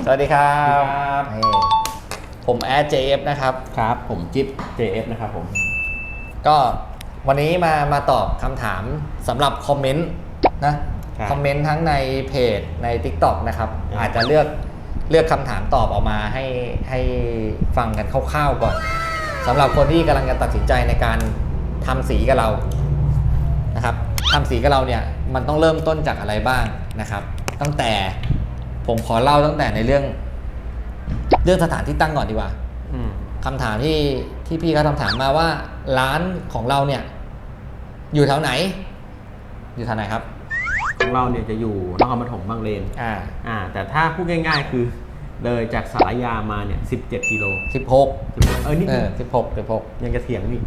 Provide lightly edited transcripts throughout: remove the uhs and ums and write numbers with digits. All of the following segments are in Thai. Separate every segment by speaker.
Speaker 1: สวัสดีครั
Speaker 2: ครับ บ
Speaker 1: นี่ผมแอด JF นะครับ
Speaker 2: ครับผมจิ๊บ JF นะครับผม
Speaker 1: ก็วันนี้มาตอบคำถามสำหรับคอมเมนต์นะคอมเมนต์ทั้งในเพจใน TikTok นะครับอาจจะเลือกคำถามตอบออกมาให้ฟังกันคร่าวๆก่อนสำหรับคนที่กำลังจะตัดสินใจในการทำสีกับเรานะครับทำสีกับเราเนี่ยมันต้องเริ่มต้นจากอะไรบ้างนะครับตั้งแต่ผมขอเล่าตั้งแต่ในเรื่องสถานที่ตั้งก่อนดีกว่าคำถามที่พี่เขาถามมาว่าร้านของเราเนี่ยอยู่แถวไหนครับ
Speaker 2: ของเราเนี่ยจะอยู่นครปฐมบางเลนแต่ถ้าพูดง่ายๆคือเลยจากสารยามาเนี่ย17กิโล
Speaker 1: 16
Speaker 2: นิดนึง
Speaker 1: 16
Speaker 2: ยังจะเถียงนี่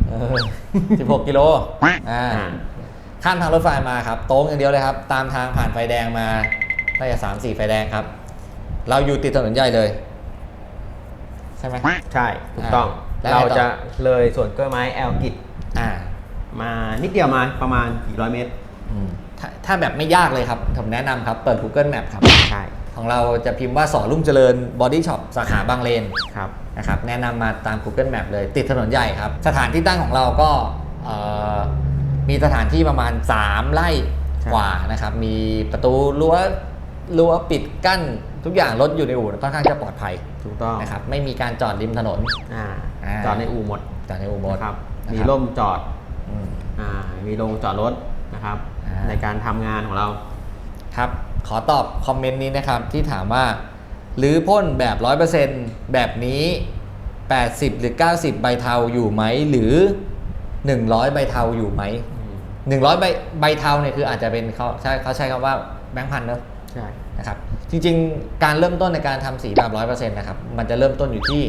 Speaker 1: 16กิโลข้ามทางรถไฟมาครับโต้งอย่างเดียวเลยครับตามทางผ่านไฟแดงมาน่าจะ3-4 ไฟแดงครับเราอยู่ติดถนนใหญ่เลยใช่ไหม
Speaker 2: ใช่ถูกต้องเราจะเลยสวนกล้วยไม้แอลกิจมานิดเดียวมาประมาณกี่ร้อยเมตร
Speaker 1: ถ้าแบบไม่ยากเลยครับผมแนะนำครับเปิด Google Map ครับ
Speaker 2: ใช่
Speaker 1: ของเราจะพิมพ์ว่าสอรุ่งเจริญ Body Shop สาขาบางเลน
Speaker 2: ครับ
Speaker 1: นะครับแนะนำมาตาม Google Map เลยติดถนนใหญ่ครับสถานที่ตั้งของเราก็มีสถานที่ประมาณ3 ไร่กว่านะครับมีประตูรั้วปิดกั้นทุกอย่างรถอยู่ในอู่ค่อนข้างจะปลอดภัย
Speaker 2: ถูกต้อง
Speaker 1: นะครับไม่มีการจอดริมถนน
Speaker 2: จอดในอู่หมด
Speaker 1: ครับ
Speaker 2: มีร่มจอดมีโรงจอดรถนะครับในการทำงานของเรา
Speaker 1: ครับขอตอบคอมเมนต์นี้นะครับที่ถามว่าหรือพ่นแบบ 100% แบบนี้80หรือ90ใบเทาอยู่ไหมหรือ100ใบเทาอยู่ไหม100ใบเทาเนี่ยคืออาจจะเป็นเขาใช้คำว่าแบงค์พันเนอะ
Speaker 2: ใช่
Speaker 1: นะครับจริงๆการเริ่มต้นในการทำสีแบบ 100% นะครับมันจะเริ่มต้นอยู่ที่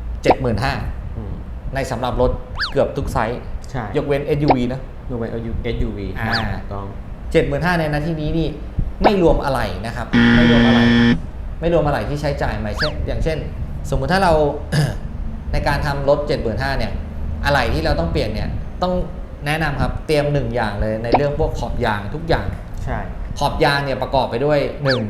Speaker 1: 75,000 ในสำหรับรถเกือบทุกไซส์ยกเว้น SUV นะ
Speaker 2: ยกเว้น SUV ต้อง
Speaker 1: 75,000 ในนาที่นี้นี่ไม่รวมอะไรนะครับไม่รวมอะไรที่ใช้จ่ายใหม่อย่างเช่นสมมุติถ้าเรา ในการทำรถ 75,000 เนี่ยอะไรที่เราต้องเปลี่ยนเนี่ยต้องแนะนำครับเตรียม1อย่างเลยในเรื่องพวกขอบยางทุกอย่าง
Speaker 2: ใช่
Speaker 1: ขอบยางเนี่ยประกอบไปด้วย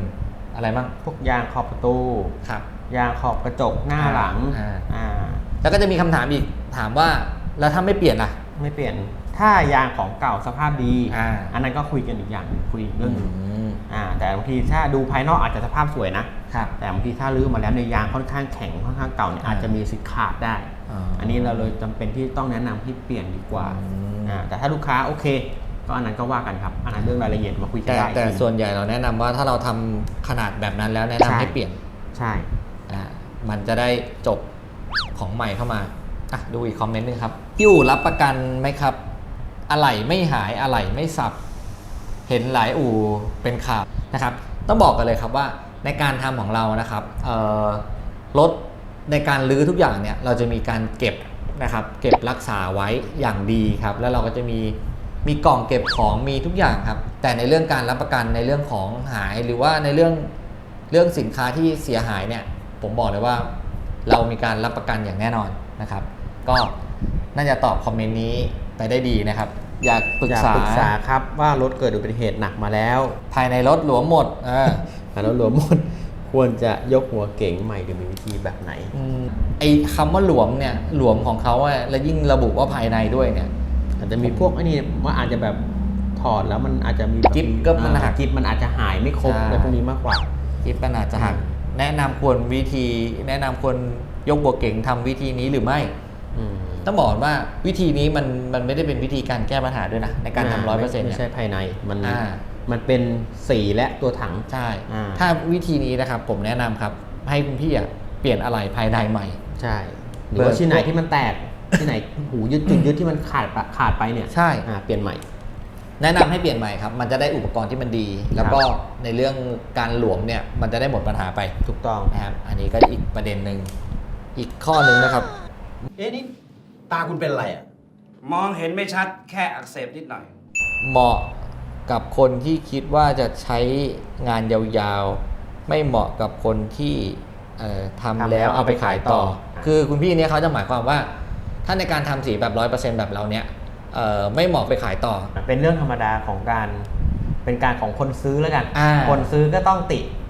Speaker 1: 1อะไรบ้าง
Speaker 2: พวกยางขอบประตู
Speaker 1: ครับ
Speaker 2: ยางขอบกระจกหน้าหลัง
Speaker 1: แล้วก็จะมีคำถามอีกถามว่าแล้วถ้าไม่เปลี่ยนล่ะ
Speaker 2: ไม่เปลี่ยนถ้ายางของเก่าสภาพดีอันนั้นก็คุยกันอีกอย่างคุยเรื่องนึงแต่บางทีถ้าดูภายนอกอาจจะสภาพสวยนะแต่บางทีถ้าลื้อมาแล้วในยางค่อนข้างแข็งค่อนข้างเก่าเนี่ยอาจจะมีสิทธิ์ขาดได้อันนี้เราเลยจำเป็นที่ต้องแนะนำให้เปลี่ยนดีกว่าแต่ถ้าลูกค้าโอเคก็อันนั้นก็ว่ากันครับอันนั้นเรื่องรายละเอียดมาคุยกันได้
Speaker 1: แต่ส่วนใหญ่เราแนะนำว่าถ้าเราทำขนาดแบบนั้นแล้วแนะนำให้เปลี่ยน
Speaker 2: ใช่
Speaker 1: มันจะได้จบของใหม่เข้ามาดูอีกคอมเมนต์นึงครับที่อู่รับประกันไหมครับอะไหล่ไม่หายอะไหล่ไม่สับเห็นหลายอู่เป็นข่าวนะครับต้องบอกกันเลยครับว่าในการทำของเรานะครับรถในการรื้อทุกอย่างเนี่ยเราจะมีการเก็บนะครับเก็บรักษาไว้อย่างดีครับแล้วเราก็จะมีกล่องเก็บของมีทุกอย่างครับแต่ในเรื่องการรับประกันในเรื่องของหายหรือว่าในเรื่องสินค้าที่เสียหายเนี่ยผมบอกเลยว่าเรามีการรับประกันอย่างแน่นอนนะครับก็น่าจะตอบคอมเมนต์นี้ไปได้ดีนะครับอยากปรึกษา
Speaker 2: ครับว่ารถเกิดอุบัติเหตุหนักมาแล้ว
Speaker 1: ภายในรถหลวมหมด
Speaker 2: ภายในรถหลวมหมดควรจะยกหัวเก๋งใหม่หรือมีวิธีแบบไหน
Speaker 1: ไอ้คำว่าหลวมเนี่ยหลวมของเขาแล้วยิ่งระบุว่าภายในด้วยเนี่ย
Speaker 2: อาจจะมีพวกนี้ว่าอาจจะแบบถอดแล้วมันอาจจะมี
Speaker 1: กิ๊บก็มันหัก
Speaker 2: กิ๊บมันอาจจะหายไม่ครบอะไรพวกนี้มากกว่า
Speaker 1: กิ๊บมันอาจจะหักแนะนำควรยกหัวเก๋งทำวิธีนี้หรือไม่ต้องบอกว่าวิธีนี้มันไม่ได้เป็นวิธีการแก้ปัญหาด้วยนะในการทำ100%
Speaker 2: ไม่ใช่ภายในมันเป็นสีและตัวถัง
Speaker 1: ใช่ถ้าวิธีนี้นะครับผมแนะนำครับให้คุณพี่เปลี่ยนอะไหล่ภายในใหม่
Speaker 2: ใช่หรือว่าที่ไหนที่มันแตกที่ไหนหูยึดจุดยึดที่มันขาดไปเนี่ย
Speaker 1: ใช่
Speaker 2: เปลี่ยนใหม่
Speaker 1: แนะนำให้เปลี่ยนใหม่ครับมันจะได้อุปกรณ์ที่มันดีแล้วก็ในเรื่องการหลวมเนี่ยมันจะได้หมดปัญหาไป
Speaker 2: ถูกต้อง
Speaker 1: นะครับอันนี้ก็อีกประเด็นหนึ่งอีกข้อหนึ่งนะครับ
Speaker 2: นี่ตาคุณเป็นอะไร
Speaker 3: มองเห็นไม่ชัดแค่อักเสบนิดหน่อย
Speaker 1: เหมาะกับคนที่คิดว่าจะใช้งานยาวๆไม่เหมาะกับคนที่ทำแล้วเอาไปขายต่อคือคุณพี่เนี่ยเขาจะหมายความว่าถ้าในการทำสีแบบ 100% แบบเราเนี่ยไม่เหมาะไปขายต่อ
Speaker 2: เป็นเรื่องธรรมดาของเป็นการของคนซื้อแล้วกันคนซื้อก็ต้องติ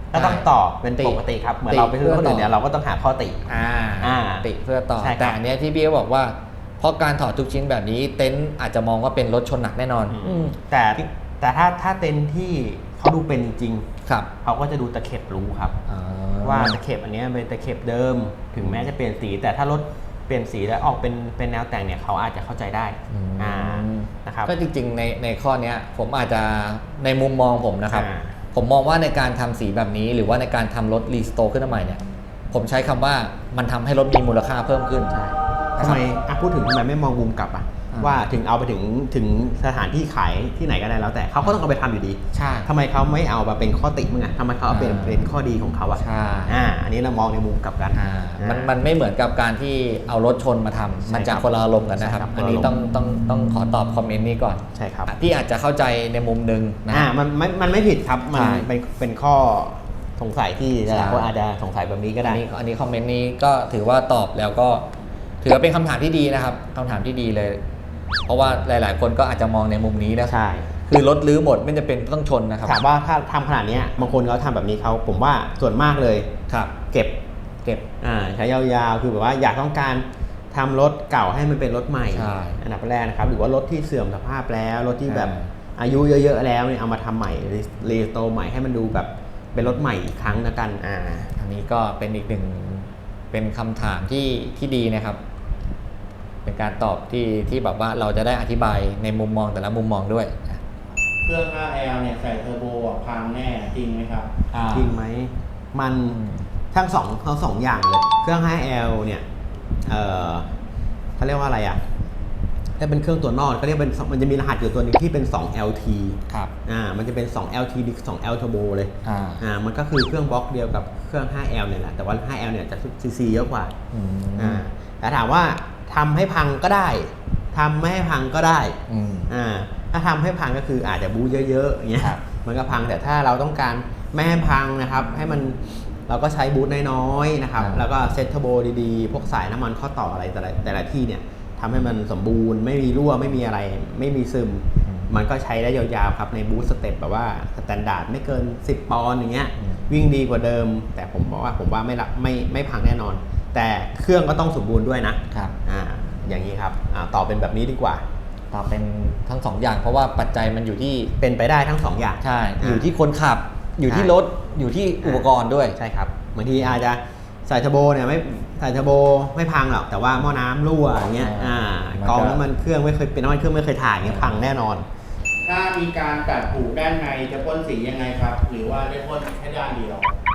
Speaker 2: ก็ต้องตอบเป็นปกติครับเหมือนเราไปซื้อคนอื่นเนี่ยเราก็ต้องหาข้อติ
Speaker 1: ติเพื่อตอบแต่อันนี้ที่พี่บอกว่าเพราะการถอดทุกชิ้นแบบนี้เต็นท์อาจจะมองว่าเป็นรถชนหนักแน่นอน
Speaker 2: แต่ถ้าเต็นท์ที่เขาดูเป็นจริง
Speaker 1: ครับ
Speaker 2: เขาก็จะดูตะเข็บรู้ครับว่าตะเข็บอันนี้เป็นตะเข็บเดิมถึงแม้จะเปลี่ยนสีแต่ถ้ารถเปลี่ยนสีแล้วออกเป็นแนวแต่งเนี่ยเขาอาจจะเข้าใจได้นะครับ
Speaker 1: ก็จริงๆในข้อนี้ผมอาจจะในมุมมองผมนะครับผมมองว่าในการทำสีแบบนี้หรือว่าในการทำรถรีสโตร์ขึ้นมาใหม่เนี่ยผมใช้คำว่ามันทำให้รถมีมูลค่าเพิ่มขึ้นใช่
Speaker 2: ทำไมพูดถึงทำไมไม่มองมุมกลับว่าถึงเอาไปถึงสถานที่ขายที่ไหนก็ได้แล้วแต่เขาก็ต้องเอาไปทำอยู่ดี
Speaker 1: ใช่
Speaker 2: ทำไมเขาไม่เอามาเป็นข้อติมึงทำไมเขาเอาเป็นข้อดีของเขา
Speaker 1: ใช่
Speaker 2: อันนี้เรามองในมุมกลับกัน
Speaker 1: มันไม่เหมือนกับการที่เอารถชนมาทำมันจะคนละอารมณ์กันนะครับอันนี้ต้องขอตอบคอมเมนต์นี้ก่อน
Speaker 2: ใช่ครับ
Speaker 1: พี่อาจจะเข้าใจในมุมนึงนะ
Speaker 2: มันไม่ผิดครับมันเป็นข้อสงสัยที่หลายคนอาจจะสงสัยแบบนี้ก็ได้
Speaker 1: อันนี้คอมเมนต์นี้ก็ถือว่าตอบแล้วก็ถือว่าเป็นคำถามที่ดีนะครับคำถามที่ดีเลยเพราะว่าหลายๆคนก็อาจจะมองในมุมนี้นะ
Speaker 2: ใช่
Speaker 1: คือรถลื้อหมดไม่จะเป็นต้องชนนะครับ
Speaker 2: ถามว่าถ้าทำขนาดนี้บางคนเขาทำแบบนี้เขาผมว่าส่วนมากเลย
Speaker 1: ครับ
Speaker 2: เก็บใช้ยาวๆคือแบบว่าอยากต้องการทำรถเก่าให้มันเป็นรถใหม่อันดับแรกนะครับหรือว่ารถที่เสื่อมสภาพแล้วรถที่แบบอายุเยอะๆแล้วเนี่ยเอามาทำใหม่รีสโตร์ใหม่ให้มันดูแบบเป็นรถใหม่อีกครั้งนะกัน
Speaker 1: อันนี้ก็เป็นอีกหนึ่งเป็นคำถามที่ดีนะครับเป็นการตอบที่แบบว่าเราจะได้อธิบายในมุมมองแต่ละมุมมองด้วย
Speaker 4: เครื่อง 5L เนี่ยใส่เทอร์โบพังแน่จริงไหมครับ
Speaker 2: จริงไหมมันทั้งสองอย่างเลยเครื่อง 5L เนี่ยเขาเรียกว่าอะไรถ้าเป็นเครื่องตัวนอกก็เรียกเป็นมันจะมีรหัสอยู่ตัวนึงที่เป็น2 LT
Speaker 1: ครับ
Speaker 2: มันจะเป็น2 LT ดิ2 L Turbo เลยมันก็คือเครื่องบล็อกเดียวกับเครื่อง 5L เนี่ยแหละแต่ว่า 5L เนี่ยจะซีซีเยอะกว่าแต่ถามว่าทำให้พังก็ได้ทำไม่ให้พังก็ได้ถ้าทำให้พังก็คืออาจจะบู๊เยอะๆอย่างเงี้ยมันก็พังแต่ถ้าเราต้องการไม่ให้พังนะครับให้มันเราก็ใช้บู๊น้อยๆนะครับแล้วก็เซ็ตเทอร์โบดีๆพวกสายน้ำมันข้อต่ออะไรแต่ละที่เนี่ยทำให้มันสมบูรณ์ไม่มีรั่วไม่มีอะไรไม่มีซึมมันก็ใช้ได้ยาวๆครับในบู๊สเต็ปแบบว่าสแตนดาร์ดไม่เกิน10 ปอนด์อย่างเงี้ยวิ่งดีกว่าเดิมแต่ผมว่าไม่พังแน่นอนแต่เครื่องก็ต้องสมบูรณ์ด้วยนะครับอย่างนี้ครับตอบเป็นแบบนี้ดีกว่า
Speaker 1: ตอบเป็นทั้ง2 อย่างเพราะว่าปัจจัยมันอยู่ที่
Speaker 2: เป็นไปได้ทั้ง2 อย่าง
Speaker 1: ใช่อยู่ที่คนขับอยู่ที่รถอยู่ที่อุปกรณ์ด้วย
Speaker 2: ใช่ครับบางทีอาจจะใส่เทอร์โบเนี่ยไม่ใส่เทอร์โบไม่พังหรอกแต่ว่าหม้อน้ำรั่วอย่างเงี้ยกองน้ำมันเครื่องไม่เคยเป็นน้ำมันเครื่องไม่เคยถ่ายเงี้ยพังแน่นอน
Speaker 4: ถ้ามีการตัดผูด้านในจะพ่นสียังไงครับหรือว่าได้พ่นแค่ด้านเดียว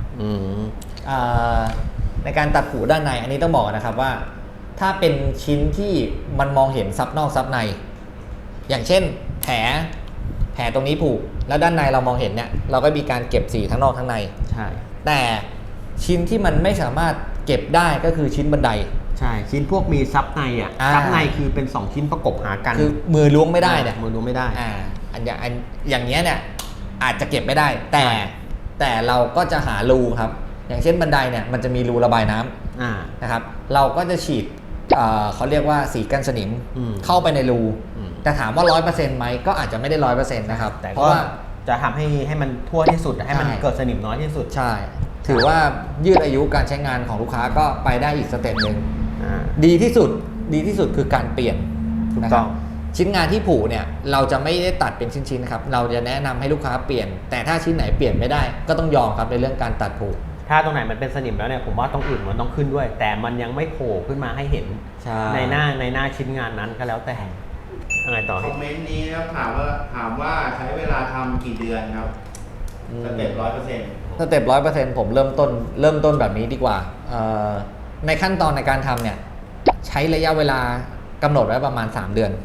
Speaker 1: ในการตัดผูด้านในอันนี้ต้องบอกนะครับว่าถ้าเป็นชิ้นที่มันมองเห็นซับนอกซับในอย่างเช่นแผลตรงนี้ผูกแล้วด้านในเรามองเห็นเนี่ยเราก็มีการเก็บสีทั้งนอกทั้งใน
Speaker 2: ใช่
Speaker 1: แต่ชิ้นที่มันไม่สามารถเก็บได้ก็คือชิ้นบันได
Speaker 2: ใช่ชิ้นพวกมีซับในซับในคือเป็น2ชิ้นประกบหากัน
Speaker 1: คือมือล้วงไม่ได้เนี่ย
Speaker 2: มือล้วงไม่ได้
Speaker 1: อย่างเงี้ยเนี่ยอาจจะเก็บไม่ได้แต่เราก็จะหารูครับอย่างเช่นบันไดเนี่ยมันจะมีรูระบายน้ำนะครับเราก็จะฉีดเขาเรียกว่าสีกันสนิมเข้าไปในรูแต่ถามว่า 100% ไหมก็อาจจะไม่ได้ 100% นะครับ
Speaker 2: เพราะว่าจะทำให้มันทั่วที่สุดให้มันเกิดสนิมน้อยที่สุด
Speaker 1: ใช่ถือว่ายืดอายุการใช้งานของลูกค้าก็ไปได้อีกสเต็ปนึงดีที่สุดคือการเปลี่ยนนะครับชิ้นงานที่ผูเนี่ยเราจะไม่ได้ตัดเป็นชิ้นๆครับเราจะแนะนำให้ลูกค้าเปลี่ยนแต่ถ้าชิ้นไหนเปลี่ยนไม่ได้ก็ต้องยอมครับในเรื่องการตัดผู
Speaker 2: ถ้าตรงไหนมันเป็นสนิมแล้วเนี่ยผมว่าตรงอื่นมันต้องขึ้นด้วยแต่มันยังไม่โผล่ขึ้นมาให้เห็นในหน้าชิ้นงานนั้นก็แล้วแต่อะไรต่อ
Speaker 4: คอมเมนต์นี้นะครับถามว่าใช้เวลาทำกี่เดือนครับสเต็ป100%
Speaker 1: สเต็ป100%ผมเริ่มต้นแบบนี้ดีกว่าในขั้นตอนในการทำเนี่ยใช้ระยะเวลากำหนดไว้ประมาณ3 เดือน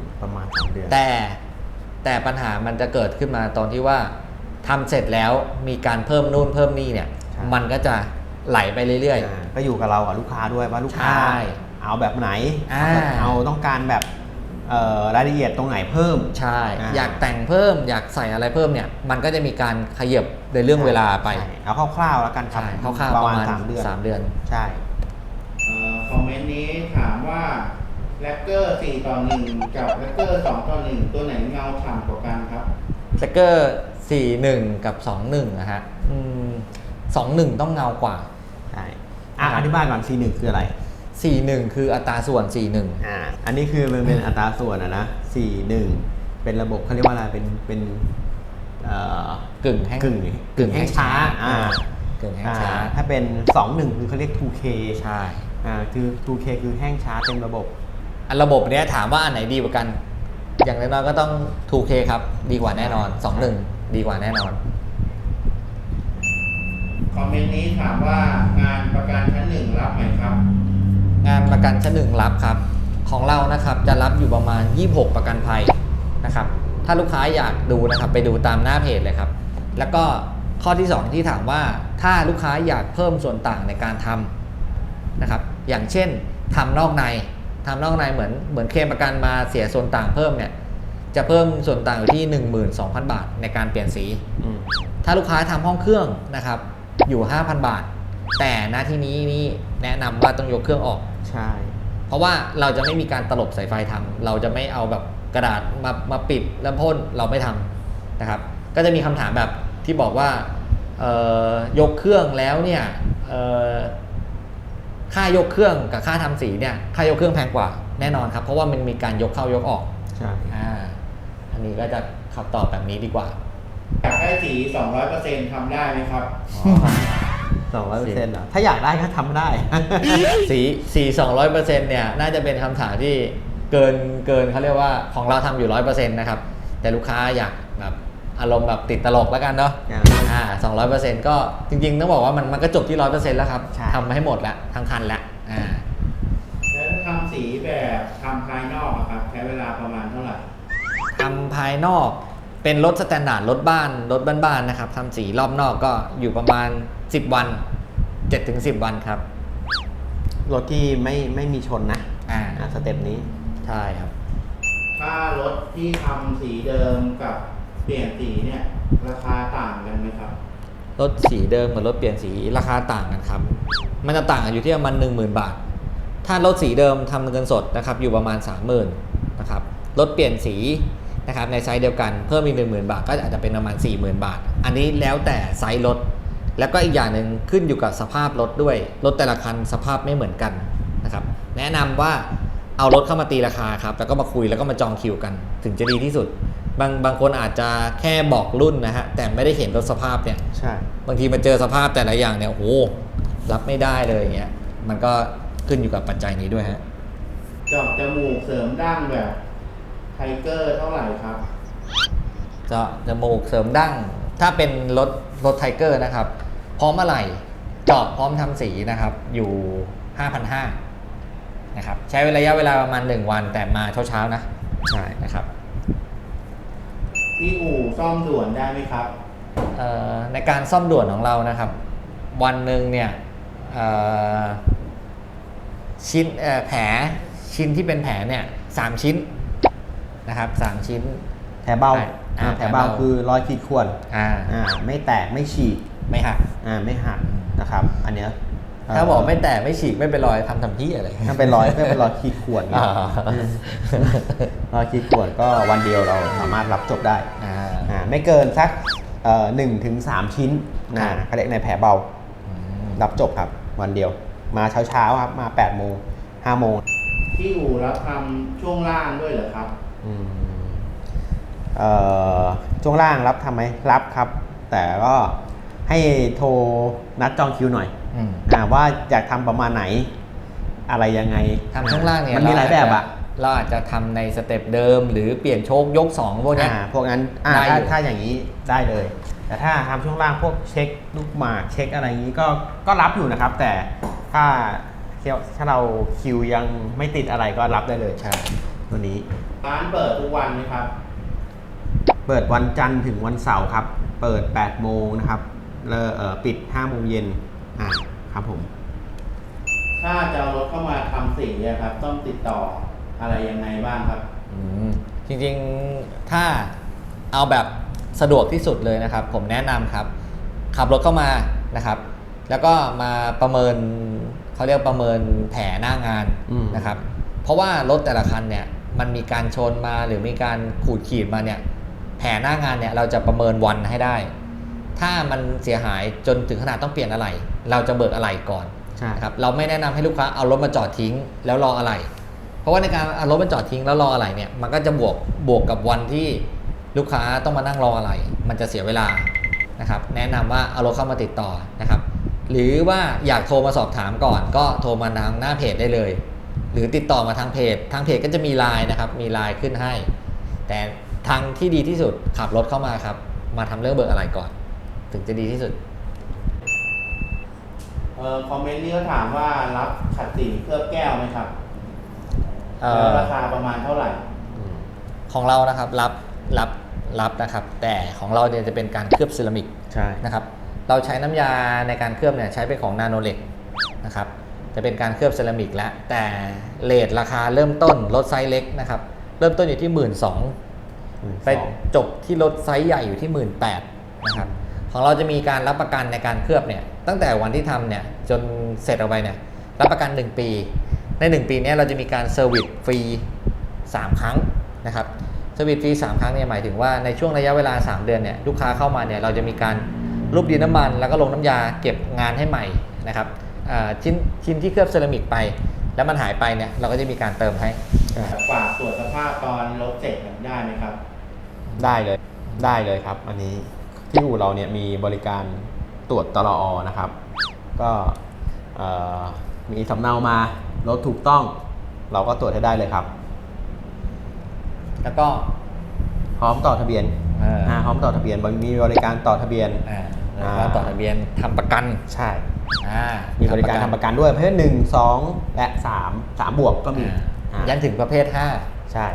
Speaker 1: แต่ปัญหามันจะเกิดขึ้นมาตอนที่ว่าทำเสร็จแล้วมีการเพิ่มนู่นเพิ่มนี่เนี่ยมันก็จะไหลไปเรื่อย
Speaker 2: ๆก็อยู่กับเรากับลูกค้าด้วยว่าลูกค้าเอาแบบไหนเอาต้องการแบบรายละเอียดตรงไหนเพิ่ม
Speaker 1: ใช่อยากแต่งเพิ่มอยากใส่อะไรเพิ่มเนี่ยมันก็จะมีการขยับในเรื่องเวลาไป
Speaker 2: เอาคร่าวๆแล้วกันครับ
Speaker 1: คร่าวๆประมาณ3 เดือน
Speaker 2: ใช่
Speaker 4: คอมเมนต์นี้ถามว่าแร็กเกอร์4:1กับแร็กเกอร์2:1ตัวไหนเงาฉ่ำกว่ากันครับ
Speaker 1: แร็กเกอร์41 กับ 21นะฮะ 21ต้องเงากว่า
Speaker 2: ใช่อธิบายก่อน C1 คืออะไร
Speaker 1: 41คืออัตราส่วน41
Speaker 2: อันนี้คือมันเป็นอัตราส่วนนะ C1 เป็นระบบเขาเรียกว่าอะไรเป็น
Speaker 1: กึ่งแห้ง
Speaker 2: กึ่งแห้งช้า
Speaker 1: กึ่งแห้งช้า
Speaker 2: ถ้าเป็น21คือเขาเรียก 2K
Speaker 1: ใช่
Speaker 2: คือ 2K คือแห้งช้าเต็มระบบ
Speaker 1: ระบบเนี้ยถามว่าอันไหนดีกว่ากัน อย่างน้อยๆก็ต้อง 2K ครับดีกว่าแน่นอน 21ดีกว่าแน่นอน
Speaker 4: คอมเมนต์นี้ถามว่างานประกันชั้นหนึ่งรับไหมครับ
Speaker 1: งานประกันชั้นหนึ่งรับครับของเรานะครับจะรับอยู่ประมาณ26ประกันภัยนะครับถ้าลูกค้าอยากดูนะครับไปดูตามหน้าเพจเลยครับแล้วก็ข้อที่2ที่ถามว่าถ้าลูกค้าอยากเพิ่มส่วนต่างในการทำนะครับอย่างเช่นทำนอกในเหมือนเคลมประกันมาเสียส่วนต่างเพิ่มเนี่ยจะเพิ่มส่วนต่างอยู่ที่ 12,000 บาทในการเปลี่ยนสีถ้าลูกค้าทำห้องเครื่องนะครับอยู่ 5,000 บาทแต่หน้าที่นี้นี่แนะนำว่าต้องยกเครื่องออก
Speaker 2: ใช่
Speaker 1: เพราะว่าเราจะไม่มีการตลบสายไฟทำเราจะไม่เอาแบบกระดาษมาปิดแล้วพ่นเราไม่ทำนะครับก็จะมีคำถามแบบที่บอกว่ายกเครื่องแล้วเนี่ยค่ายกเครื่องกับค่าทำสีเนี่ยค่ายกเครื่องแพงกว่าแน่นอนครับเพราะว่ามันมีการยกเข้ายกออก
Speaker 2: ใช่
Speaker 1: อันนี้ก็จะคำตอบแบบนี้ดีกว่า
Speaker 4: อยากได้สี 200% ทำได้ไหมครับ
Speaker 2: 200%เหรอถ้าอยากได้ก็ทำได้
Speaker 1: สี 200% เนี่ยน่าจะเป็นคำถามที่เกินเขาเรียกว่าของเราทำอยู่ 100% นะครับแต่ลูกค้าอยากแบบอารมณ์แบบติดตลกแล้วกันเนาะ200% ก็จริงๆต้องบอกว่ามันก็จบที่ 100% แล้วครับทำให้หมดแล้วทั้งคันแล้ว
Speaker 4: แล้วทำสีแบบทำภายนอกครับใช้เวลาประมาณเท่าไหร่
Speaker 1: ทำภายนอกเป็นรถสแตนดาร์ดรถบ้านๆนะครับทำสีรอบนอกก็อยู่ประมาณ10 วัน 7-10 วันครับ
Speaker 2: รถที่ไม่มีชนนะสเต็ปนี้
Speaker 1: ใช่ครับ
Speaker 4: ถ้ารถที่ทำสีเดิมกับเปลี่ยนสีเนี่ยราคาต่างกันไหมครับ
Speaker 1: รถสีเดิมกับรถเปลี่ยนสีราคาต่างกันครับมันจะต่างกันอยู่ที่ประมาณ 10,000 บาทถ้ารถสีเดิมทำเงินสดนะครับอยู่ประมาณ 30,000 นะครับรถเปลี่ยนสีนะครับในไซส์เดียวกันเพิ่มอีก 10,000 บาทก็อาจจะเป็นประมาณ 40,000 บาทอันนี้แล้วแต่ไซส์รถแล้วก็อีกอย่างหนึ่งขึ้นอยู่กับสภาพรถด้วยรถแต่ละคันสภาพไม่เหมือนกันนะครับแนะนำว่าเอารถเข้ามาตีราคาครับแล้วก็มาคุยแล้วก็มาจองคิวกันถึงจะดีที่สุดบางคนอาจจะแค่บอกรุ่นนะฮะแต่ไม่ได้เห็นรถสภาพเนี่ย
Speaker 2: ใช่
Speaker 1: บางทีมาเจอสภาพแต่ละอย่างเนี่ยโอ้รับไม่ได้เลยอย่างเงี้ยมันก็ขึ้นอยู่กับปัจจัยนี้ด้วยฮะ
Speaker 4: เจาะจมูกเสริมดั้งแบบไทเกอร์เท่าไหร่ครับ
Speaker 1: เจาะจมูกเสริมดั้งถ้าเป็นรถไทเกอร์นะครับพร้อมอะไรเจาะพร้อมทำสีนะครับอยู่ 5,500 นะครับใช้ระยะเวลาประมาณ1 วันแต่มาเช้าๆนะใช่นะครับ
Speaker 4: ที่อู่ซ่อมด่วนได้ไหมครับ
Speaker 1: ในการซ่อมด่วนของเรานะครับวันหนึ่งเนี่ยชิ้นแผลชิ้นที่เป็นแผลเนี่ย3 ชิ้นนะครับ3 ชิ้น
Speaker 2: แผลเบาแผลเบาคือรอยขีดข่วนไม่แตกไม่ฉีก
Speaker 1: ไม่หัก
Speaker 2: ไม่หักนะครับอันเนี้ย
Speaker 1: ถ้าบอกไม่แตกไม่ฉีกไม่เป็นรอยทำที่อะไร
Speaker 2: ถ้าเป็นรอยขีดข่วนรอยขีดข่วนก็วันเดียวเราสามารถรับจบได้ไม่เกินสัก1-3 ชิ้นเขาเรียกในแผลเบารับจบครับวันเดียวมาเช้าครับมา8 โมง5 โมง
Speaker 4: ที่อู่รับทำช่วงล่างด้วยเหรอครับ
Speaker 2: ช่วงล่างรับทำไหมรับครับแต่ก็ให้โทรนัดจองคิวหน่อยว่าอยากทำประมาณไหนอะไรยังไง
Speaker 1: ทำช่วงล่างเนี่ย
Speaker 2: มันมีหลายแบบ
Speaker 1: เราอาจจะทำในสเต็ปเดิมหรือเปลี่ยนโชคยก2พวกนี้
Speaker 2: พวกนั้นถ้าอย่างนี้ได้เลยแต่ถ้าทำช่วงล่างพวกเช็คลูกหมากเช็คอะไรอย่างนี้ก็รับอยู่นะครับแต่ถ้าเราคิวยังไม่ติดอะไรก็รับได้เลย
Speaker 1: ใช่
Speaker 2: ตัวนี้
Speaker 4: ร้านเปิดทุกวันไหมครับ
Speaker 2: เปิดวันจันทร์ถึงวันเสาร์ครับเปิด8 โมงนะครับปิด5 โมงเย็นครับผม
Speaker 4: ถ้าจะเอารถเข้ามาทำสีครับต้องติดต่ออะไรยังไงบ้างครับ
Speaker 1: จริงๆถ้าเอาแบบสะดวกที่สุดเลยนะครับผมแนะนำครับขับรถเข้ามานะครับแล้วก็มาประเมินเขาเรียกประเมินแผลหน้างานนะครับเพราะว่ารถแต่ละคันเนี่ยมันมีการชนมาหรือมีการขูดขีดมาเนี่ยแผลหน้างานเนี่ยเราจะประเมินวันให้ได้ถ้ามันเสียหายจนถึงขนาดต้องเปลี่ยนอะไหล่เราจะเบิกอะไหล่ก่อน
Speaker 2: ใช่
Speaker 1: นะครับเราไม่แนะนำให้ลูกค้าเอารถมาจอดทิ้งแล้วรออะไหล่เพราะว่าในการเอารถมาจอดทิ้งแล้วรออะไหล่เนี่ยมันก็จะบวกกับวันที่ลูกค้าต้องมานั่งรออะไหล่มันจะเสียเวลานะครับแนะนำว่าเอารถเข้ามาติดต่อนะครับหรือว่าอยากโทรมาสอบถามก่อนก็โทรมาทางหน้าเพจได้เลยหรือติดต่อมาทางเพจก็จะมีไลน์นะครับมีไลน์ขึ้นให้แต่ทางที่ดีที่สุดขับรถเข้ามาครับมาทำเรื่องเบิกอะไหล่ก่อนถึงจะดีที่สุด
Speaker 4: คอมเมนต์นี้เขาถามว่ารับขัดสีเคลือบแก้วไหมครับแล้วราคาประมาณเท่าไหร่
Speaker 1: ของเรานะครับรับนะครับแต่ของเราเนี่ยจะเป็นการเคลือบเซรามิก
Speaker 2: ใช่
Speaker 1: นะครับเราใช้น้ำยาในการเคลือบเนี่ยใช้เป็นของนาโนเล็กนะครับจะเป็นการเคลือบเซรามิกแล้วแต่เรทราคาเริ่มต้นรถไซส์เล็กนะครับเริ่มต้นอยู่ที่ 12,000ไปจบที่รถไซส์ใหญ่อยู่ที่ 18,000นะครับของเราจะมีการรับประกันในการเคลือบเนี่ยตั้งแต่วันที่ทำเนี่ยจนเสร็จออกไปเนี่ยรับประกัน1 ปีใน1 ปีนี้เราจะมีการเซอร์วิสฟรี3 ครั้งนะครับเซอร์วิสฟรี3 ครั้งเนี่ยหมายถึงว่าในช่วงระยะเวลา3 เดือนเนี่ยลูกค้าเข้ามาเนี่ยเราจะมีการรูปดินน้ำมันแล้วก็ลงน้ำยาเก็บงานให้ใหม่นะครับชิ้นที่เคลือบเซรามิกไปแล้วมันหายไปเนี่ยเราก็จะมีการเติมให้
Speaker 4: ฝากตรวจสภาพตอนรถเสร็จได้ไหมครับ
Speaker 2: ได้เลยครับอันนี้ที่อู่เราเนี่ยมีบริการตรวจตลอนะครับก็มีสำเนามารถถูกต้องเราก็ตรวจให้ได้เลยครับ
Speaker 1: แล้วก็
Speaker 2: พร้อมต่อทะเบียนพร้อมต่อทะเบียนมีบริการต่อทะเบียน
Speaker 1: แล้วก็ต่อทะเบียนทำประกัน
Speaker 2: ใช่
Speaker 1: มี
Speaker 2: มีบริการทำประกันด้วยประเภท1 2 และ 3 บวกก็มี
Speaker 1: ยันถึงประเภท
Speaker 2: ใช่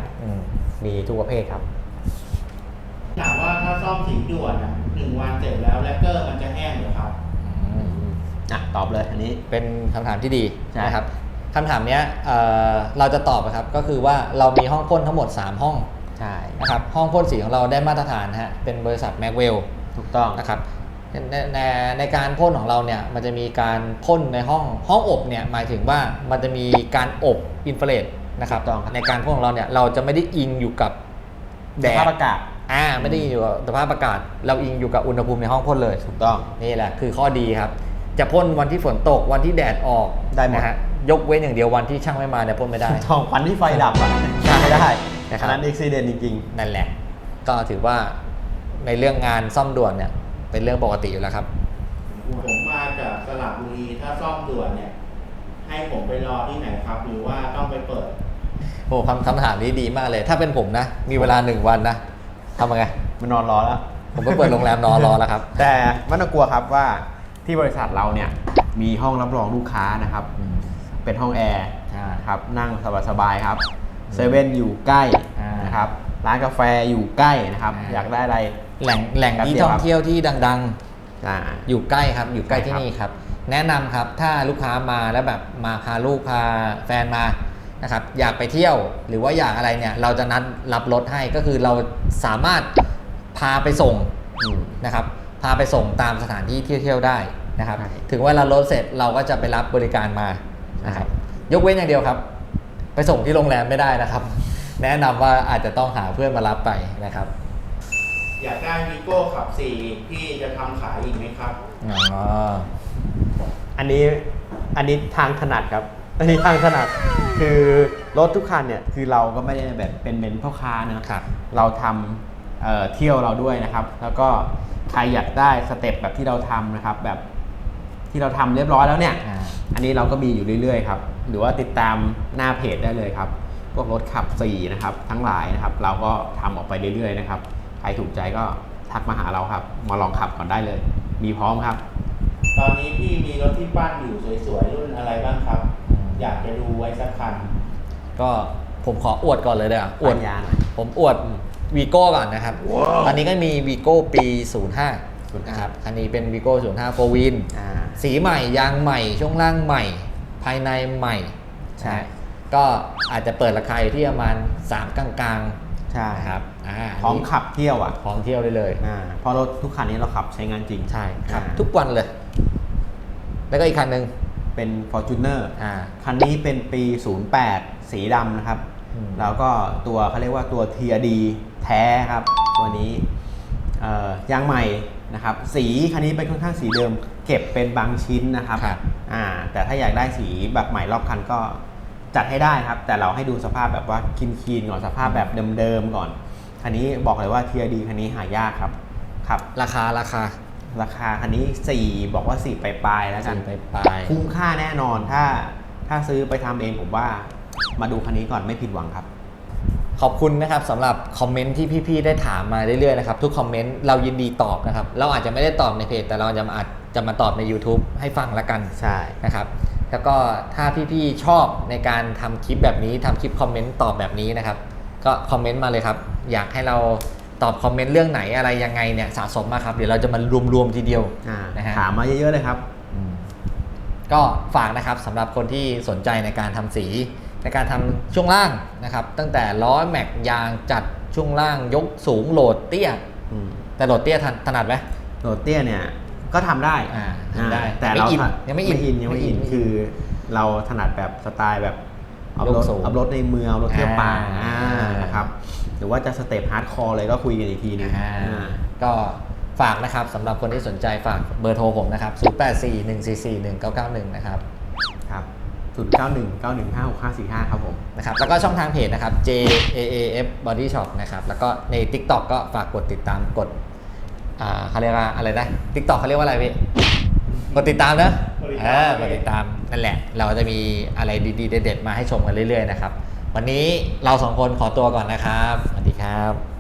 Speaker 1: 5
Speaker 2: มีทุกประเภทครับ
Speaker 4: ถามว่าถ้าซ่อมสีด่วน1 วันเสร็จแล้วแลกเกอร์มันจะแห้งหรือครับ
Speaker 2: ตอบเลยอันนี้
Speaker 1: เป็นคำถามที่ดี
Speaker 2: ใช่
Speaker 1: นะครับคำถามเนี้ยเราจะตอบนะครับก็คือว่าเรามีห้องพ่นทั้งหมด3 ห้อง
Speaker 2: ใช่
Speaker 1: นะครับห้องพ่นสีของเราได้มาตรฐานฮะเป็นบริษัทแม็กเวล
Speaker 2: ถูกต้อง
Speaker 1: นะครับในการพ่นของเราเนี่ยมันจะมีการพ่นในห้องอบเนี่ยหมายถึงว่ามันจะมีการอบอินฟราเรดนะครับ
Speaker 2: ถูกต้องครับ
Speaker 1: ในการพ่นของเราเนี่ยเราจะไม่ได้อิงอยู่กับแด
Speaker 2: ส
Speaker 1: ด
Speaker 2: ภาพอากาศ
Speaker 1: ไม่ได้อิงอยู่กับสภาพอากาศเราอิงอยู่กับอุณหภูมิในห้องพ่นเลย
Speaker 2: ถูกต้อง
Speaker 1: นี่แหละคือข้อดีครับจะพ่นวันที่ฝนตกวันที่แดดออก
Speaker 2: ได้หมด
Speaker 1: นะฮะยกเว้นอย่างเดียววันที่ช่างไม่มาเนี่ยพ่นไม่ได้
Speaker 2: ทองควันที่ไฟดับอ่ะไม่ได้
Speaker 1: นะครับ
Speaker 2: อันนั้นอุบิเหตุจริง
Speaker 1: นั่นแหละก็ถือว่าในเรื่องงานซ่อมด่วนเนี่ยเป็นเรื่องปกติอยู่แล้วครับ
Speaker 4: ผมมาจากสระบุรีถ้าซ่อมด่วนเนี่ยให้ผมไปรอที่ไหนครับ หรือว่าต้องไปเปิด
Speaker 1: โอ้คำถามนี้ดีมากเลย ถ้าเป็นผมนะ มีเวลา1 วันนะทำยังไง
Speaker 2: ๆมันนอนรอแล้ว
Speaker 1: ผมก็เปิดโรงแรมนอนรอแล้วครับ
Speaker 2: แต่ไม่ต้องกลัวครับว่าที่บริษัทเราเนี่ยมีห้องรับรองลูกค้านะครับ เป็นห้องแอร์
Speaker 1: ใช่
Speaker 2: ครับนั่งสบายๆครับเซเว่นอยู่ใกล้ นะครับร้านกาแฟอยู่ใกล้นะครับ อยากได้อะไร
Speaker 1: แหล่งที่ท่องเที่ยวที่ดัง
Speaker 2: อ่า
Speaker 1: ๆ อยู่ใกล้ครับอยู่ใกล้
Speaker 2: ใช่
Speaker 1: ที่
Speaker 2: ครับ
Speaker 1: นี่ครับแนะนำครับถ้าลูกค้ามาแล้วแบบมาพาลูกพาแฟนมานะครับอยากไปเที่ยวหรือว่าอยากอะไรเนี่ยเราจะนัดรับรถให้ก็คือเราสามารถพาไปส่งนะครับพาไปส่งตามสถานที่เที่ยวได้นะครับ
Speaker 2: ใช่
Speaker 1: ถึงเวลารถเสร็จเราก็จะไปรับบริการมานะครับยกเว้นอย่างเดียวครับ ไปส่งที่โรงแรมไม่ได้นะครับ แนะนำว่าอาจจะต้องหาเพื่อนมารับไปนะครับ
Speaker 4: อยากได้วีโก้ขับ4พี่จะทำขายอีกไหมครับ
Speaker 1: อ๋อ
Speaker 2: อันนี้ทางถนัดครับ อันนี้ทางถนัดคือรถทุกคันเนี่ยคือเราก็ไม่ได้แบบเป็นพ่อค้านะครับ เราทำเที่ยวเราด้วยนะครับ แล้วก็ใครอยากได้สเต็ปแบบที่เราทำนะครับ แบบที่เราทำเรียบร้อยแล้วเนี่ย อันนี้เราก็มีอยู่เรื่อยๆครับหรือว่าติดตามหน้าเพจได้เลยครับพวกรถขับ4นะครับทั้งหลายนะครับ เราก็ทำออกไปเรื่อยๆนะครับใครถูกใจก็ทักมาหาเราครับมาลองขับก่อนได้เลย มีพร้อมครับ
Speaker 4: ตอนนี้พี่มีรถที่ปั้นอยู่สวยๆรุ่นอะไรบ้างครับ อยากจะดูไว้สักคัน
Speaker 1: ก็ผมขออวดก่อนเลยเด้ออวด
Speaker 2: ปัญญาหน่อย
Speaker 1: ผมอวดวีโก้ก่อนนะครับตอนนี้ก็มีวีโก้ปี 05 นะครับอันนี้เป็นวีโก้05 4 Win สีใหม่ยางใหม่ช่วงล่างใหม่ ภายในใหม่
Speaker 2: ใช่
Speaker 1: ก็อาจจะเปิดราคาอยู่ที่ประมาณ3กลางๆ
Speaker 2: ใช่
Speaker 1: นะครับ
Speaker 2: พร้อมขับเที่ยวอ่ะ
Speaker 1: พร้อมเที่ยวได้เลย
Speaker 2: เพราะรถทุกคันนี้เราขับใช้งานจริง
Speaker 1: ใช่ครับ
Speaker 2: อ่า
Speaker 1: ทุกวันเลย แล้วก็อีกคันหนึ่ง
Speaker 2: เป็น Fortuner
Speaker 1: อ่า
Speaker 2: คันนี้เป็นปี 08 สีดำนะครับ แล้วก็ตัวเขาเรียกว่าตัว TRD แท้ครับ ตัวนี้ยางใหม่นะครับสีคันนี้เป็นค่อนข้างสีเดิมเก็บเป็นบางชิ้นนะครับ
Speaker 1: ครับ
Speaker 2: แต่ถ้าอยากได้สีแบบใหม่รอบคันก็จัดให้ได้ครับแต่เราให้ดูสภาพแบบว่าคีนๆก่อนสภาพแบบเดิมๆก่อนคันนี้บอกเลยว่าเทียดีคันนี้หายากครับ
Speaker 1: ราคา
Speaker 2: คันนี้4บอกว่า4ปลายๆแล้วกัน
Speaker 1: 4ปลายๆ
Speaker 2: คุ้มค่าแน่นอนถ้าซื้อไปทำเองผมว่ามาดูคันนี้ก่อนไม่ผิดหวังครับ
Speaker 1: ขอบคุณนะครับสำหรับคอมเมนต์ที่พี่ๆได้ถามมาเรื่อยๆนะครับทุกคอมเมนต์เรายินดีตอบนะครับเราอาจจะไม่ได้ตอบในเพจแต่เราอาจจะมาตอบใน YouTube ให้ฟังละกัน
Speaker 2: ใช่
Speaker 1: นะครับแล้วก็ถ้าพี่ๆชอบในการทำคลิปแบบนี้ทำคลิปคอมเมนต์ตอบแบบนี้นะครับก็คอมเมนต์มาเลยครับอยากให้เราตอบคอมเมนต์เรื่องไหนอะไรยังไงเนี่ยสะสมมาครับเดี๋ยวเราจะมารวมๆทีเดียวนะฮะ
Speaker 2: ถามมาเยอะๆเลยครับ
Speaker 1: ก็ฝากนะครับสำหรับคนที่สนใจในการทำสีในการทำช่วงล่างนะครับตั้งแต่ล้อแม็กยางจัดช่วงล่างยกสูงโหลดเตี้ยแต่โหลดเตี้ยถนัดไหม
Speaker 2: โหลดเตี้ยเนี่ยก็ทำได้
Speaker 1: ทำได้
Speaker 2: แต่เรา
Speaker 1: ยังไม่อิน
Speaker 2: คือเราถนัดแบบสไตล์แบบเอา
Speaker 1: ยกสูง
Speaker 2: รถในเมืองเอารถเที่ยวป่า
Speaker 1: อ่า
Speaker 2: นะครับหรือว่าจะสเต็ปฮาร์ดคอร์เลยก็คุยกันอีกทีนึง
Speaker 1: ก็ฝากนะครับสำหรับคนที่สนใจฝากเบอร์โทรผมนะครับ0841441991นะครับ
Speaker 2: ครับ0919156545ครับผม
Speaker 1: นะครับแล้วก็ช่องทางเพจนะครับ JAAF Body Shop นะครับแล้วก็ใน TikTok ก็ฝากกดติดตามกดเขาเรียกว่าอะไรนะ TikTok เขาเรียกว่าอะไรพี่กดติดตามนะกดติดตามนั่นแหละเราจะมีอะไรดีๆเด็ดๆมาให้ชมกันเรื่อยๆนะครับวันนี้เราสองคนขอตัวก่อนนะครับสวัสดีครับ